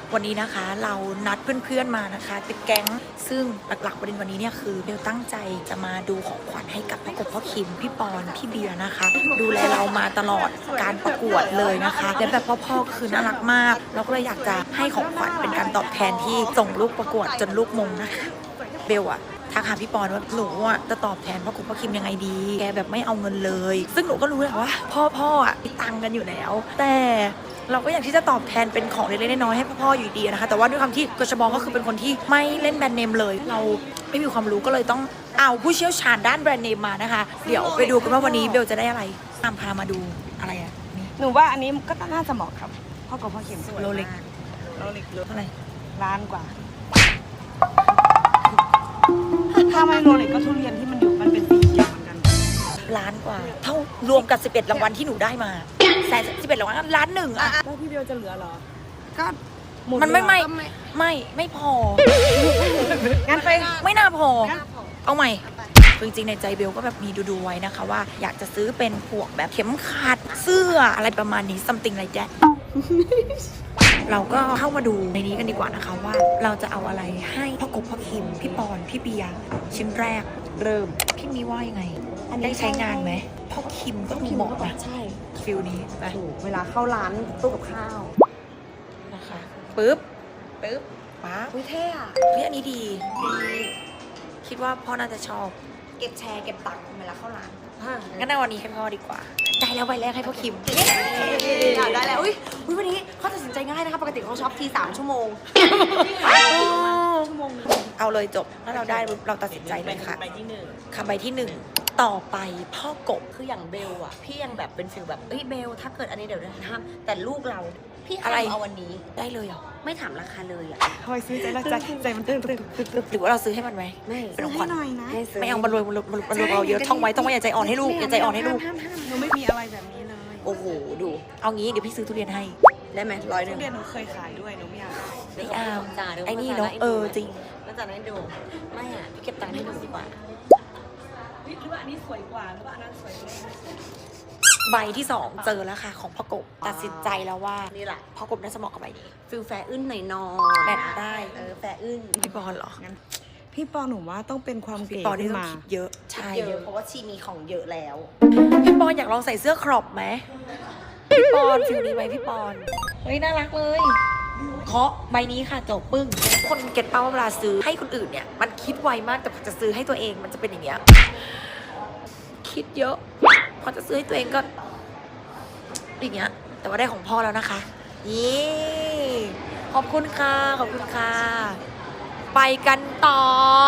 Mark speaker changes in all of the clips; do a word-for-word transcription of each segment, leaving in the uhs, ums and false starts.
Speaker 1: วันนี้นะคะเรานัดเพื่อนๆมานะคะเป็นแก๊งซึ่งหลักๆประเด็นวันนี้เนี่ยคือเบลตั้งใจจะมาดูของขวัญให้กับพ่อกบพ่อคิมพี่ปอนพี่เบียร์นะคะดูแลเรามาตลอดการประกวดเลยนะคะและแบบพ่อๆคือน่ารักมากเราก็เลยอยากจะให้ของขวัญเป็นการตอบแทนที่ส่งลูกประกวดจนลูกมงนะคะเบลอะทักหาพี่ปอนว่าหนูอ่ะจะตอบแทนพ่อกบพ่อคิมยังไงดีแกแบบไม่เอาเงินเลยซึ่งหนูก็รู้แหละว่าพ่อพ่ออ่ะมีตังกันอยู่แล้วแต่เราก็อยากที่จะตอบแทนเป็นของเล็กๆน้อยๆให้พ่อๆอยู่ดีนะคะแต่ว่าด้วยความที่กชบก็คือเป็นคนที่ไม่เล่นแบรนด์เนมเลยเราไม่มีความรู้ก็เลยต้องเอาผู้เชี่ยวชาญด้านแบรนด์เนมมานะคะเดี๋ยวไปดูกันว่าวันนี้เบลจะได้อะไรตามพามาดูอะไรอ่ะนี่
Speaker 2: หนูว่าอันนี้ก็น่าจะเหมาะครับพ่อกับพ่อเข็ม
Speaker 1: โรเล็ก
Speaker 2: โรเล็ก
Speaker 1: เท่าไหร่
Speaker 2: ล้านกว่าถ้าไม่โรเล็กก็ทุเรียนที่มันอยู่มันเป็นสีเขียวเหมือนกัน
Speaker 1: ล้านกว่าเท่ารวมกับสิบเอ็ดรางวัลที่หนูได้มาแสนสิบเอ็ดรางวัลล้านหนึ่งอะ
Speaker 2: แล้วพี่เบลจะเหลือเหรอก็
Speaker 1: มันไม่ไม่ไม่ไม่พอ
Speaker 2: งั้นไป
Speaker 1: ไม่น่าพอเอาใหม่จริงๆในใจเบลก็แบบมีดูๆไว้นะคะว่าอยากจะซื้อเป็นพวกแบบเข็มขัดเสื้ออะไรประมาณนี้ something like that เราก็เข้ามาดูในนี้กันดีกว่านะคะว่าเราจะเอาอะไรให้พ่อกบพ่อคิมพี่ปอนพี่เบียร์ชิ้นแรกเริ่มพี่มีว่ายังไงได้ใช้งานไหมพ่อคิมก็ดูเหมาะนะ
Speaker 2: ใช่
Speaker 1: ฟิลนี้ไป
Speaker 2: เวลาเข้าร้านตู้กับข้าว
Speaker 1: นะคะปึ๊บปึ๊บป๊า
Speaker 2: อุ้ยเท่อะ
Speaker 1: เฮ้ยอันนี้ดีดีคิดว่าพ่อน่าจะชอบ
Speaker 2: เก็บแชร์เก็บตังค์เวลาเข้าร้าน
Speaker 1: งั้นในวันนี้ให้พ่อดีกว่าได้แล้วใบแรกให้พ่อคิม
Speaker 2: ได้แล้วอุ้ยอุ้ยวันนี้เขาตัดสินใจง่ายนะคะปกติเขาช็อปทีสามชั่วโมงชั่วโมง
Speaker 1: เอาเลยจบถ้าเราได้เราตัดสินใจเลยค่ะ
Speaker 2: ใบที่หนึ่ง
Speaker 1: คำใบที่หนึ่งต่อไปพ่อกบ
Speaker 2: คืออย่างเบลอะพี่ยังแบบเป็นฟิลแบบเอ้ยเบลถ้าเกิดอันนี้เดี๋ยวจะทำแต่ลูกเราพี่อะไรเอาวันนี้
Speaker 1: ได้เลยเหรอ
Speaker 2: ไม่ถามราคาเลยอะ
Speaker 1: คอยซื้อใจละใจใจมันตึ้งตึ้งหรือว่าเราซื้อให้มันไหม
Speaker 2: ไม่
Speaker 1: เป็นของขวัญไม่
Speaker 2: เอา
Speaker 1: บรรลุบรรลุบรรลุเราเยอะท่องไว้ต้องไว้อย่าใจอ่อนให้ลูกอย่าใจอ่อนให้ลูก
Speaker 2: หนูไม่มีอะไรแบบนี้เลย
Speaker 1: โอ้โหดูเอางี้เดี๋ยวพี่ซื้อทุเรียนให้
Speaker 2: ได้ไหมร้อยหนึ่ง
Speaker 1: ทุ
Speaker 2: เรียนหนูเคยขายด้วยหนูไม่อยาก
Speaker 1: ไม่เอาไอ้นี่เนาะเออจริง
Speaker 2: แล้วจากนั้นดูไม่อะ
Speaker 1: พี่เก็บตังค์ให้ดูดีกว่า
Speaker 2: หรือว่าอันนี้สวยกว่าหรือว่าอันนั้นสวยกว่า
Speaker 1: ใบที่สองเจอแล้วค่ะของพ่อกบตัดสินใจแล้วว่า
Speaker 2: นี่แหละ
Speaker 1: พ่อกบน่าจะเหมาะกับใบนี้
Speaker 2: ฟิลแฟอึ้นหน่อยนอ
Speaker 1: แบบได้
Speaker 2: เออแฟอึ้น
Speaker 1: พี่ปอนเหรอ
Speaker 2: งั้นพี่ปอนหนูว่าต้องเป็นความเก๋
Speaker 1: พี่ปอนที่ต้องคิดเยอะ
Speaker 2: ใช่เยอะเพราะว่าชีมีของเยอะแล้ว
Speaker 1: พี่ปอนอยากลองใส่เสื้อครอปไหมพี่ปอนฟิลนี้ไหมพี่ปอนเฮ้ยน่ารักเลยเคาะใบนี้ค่ะจบปึ้งคนเก็ตเป้าเวลาซื้อให้คนอื่นเนี่ยมันคิดไวมากแต่พอจะซื้อให้ตัวเองมันจะเป็นอย่างเงี้ยคิดเยอะพอจะซื้อให้ตัวเองก็อย่างเงี้ยแต่ว่าได้ของพ่อแล้วนะคะนี่ขอบคุณค่ะขอบคุณค่ะไปกันต่อ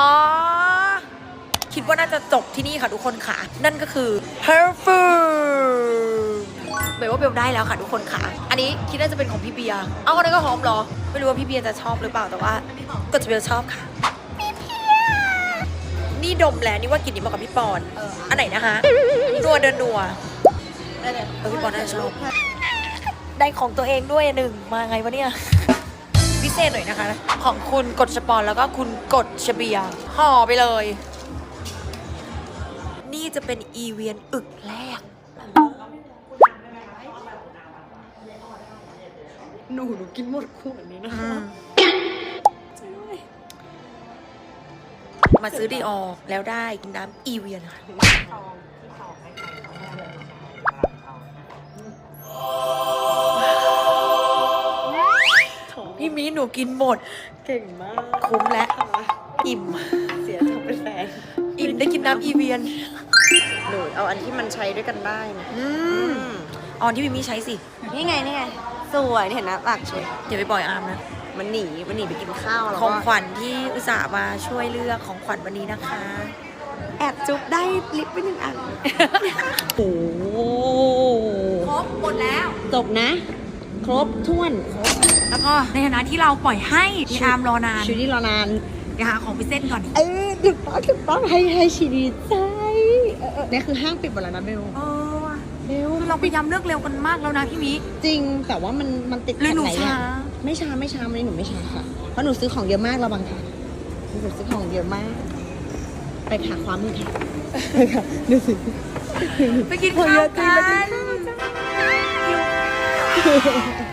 Speaker 1: คิดว่าน่าจะจบที่นี่ค่ะทุกคนค่ะนั่นก็คือ perfume เบลว่าเบลได้แล้วค่ะทุกคนค่ะอันนี้คิดว่าจะเป็นของพี่เบียร์เอาคนนั้นก็หอมเหรอไม่รู้ว่าพี่เบียร์จะชอบหรือเปล่าแต่ว่าก็จะเบลชอบค่ะพี่เบียร์นี่ดมแล้วนี่ว่ากลิ่นนี้เหมาะกับพี่ปอนอันไหนนะคะนัวเดินนัวได้เลยเออพี่ปอนน่าจะชอบได้ของตัวเองด้วยหนึ่งมาไงวะเนี่ยพิเศษหน่อยนะคะของคุณกฎชปอนแล้วก็คุณกฎชเบียร์ห่อไปเลยนี่จะเป็นอีเวียนอึกแรก
Speaker 2: หนูหนูกินหมดขวดนี้นะ
Speaker 1: มาซื้อดีออแล้วได้กินน้ำอีเวียนค่ะพี่มีหนูกินหมด
Speaker 2: เก่งมาก
Speaker 1: คุ้มและอิ่ม
Speaker 2: เสียทำเป็นแฟน
Speaker 1: อิ่มได้กินน้ำอีเวียน
Speaker 2: หนูเอาอันที่มันใช้ด้วยกันได้
Speaker 1: อืมอ๋อที่พี่มีใช้สิ
Speaker 2: นี่ไงนี่ไงสวยเห็นนะปากสวย
Speaker 1: อย่าไปปล่อยอาร์มนะ
Speaker 2: มันหนีมันหนีไปกินข้าวแล้ว
Speaker 1: ของขวัญที่อุตส่าห์มาช่วยเลือกของขวัญวันนี้นะคะ
Speaker 2: แอบจุ๊บได้ลิปไปหนึ่งอัน
Speaker 1: โอ้ครบหมดแล้ว
Speaker 2: จบนะครบถ้วนครบ
Speaker 1: แล้วก็ในฐานะที่เราปล่อยให้พี่อาร์มรอนาน
Speaker 2: ชีวิตรอนาน
Speaker 1: เดี๋ยวหาของไปเส้นก่อน
Speaker 2: เออถูกต้องถูกต้องให้ให้ชีดีใจนี่คือห้างปิดหมดแล้วนะเบล
Speaker 1: เออเบลเราพยายามเลือกเร็วกันมากแล้วนะพี่มิ
Speaker 2: จริงแต่ว่ามันมันติด
Speaker 1: เลยหนูช้า
Speaker 2: ไม่ช้าไม่ช้าวันนี้หนูไม่ช้าค่ะเพราะหนูซื้อของเยอะมากระวังค่ะหนูซื้อของเยอะมากไปหาความมือค่ะดูสิ
Speaker 1: ไปกินข้าวกัน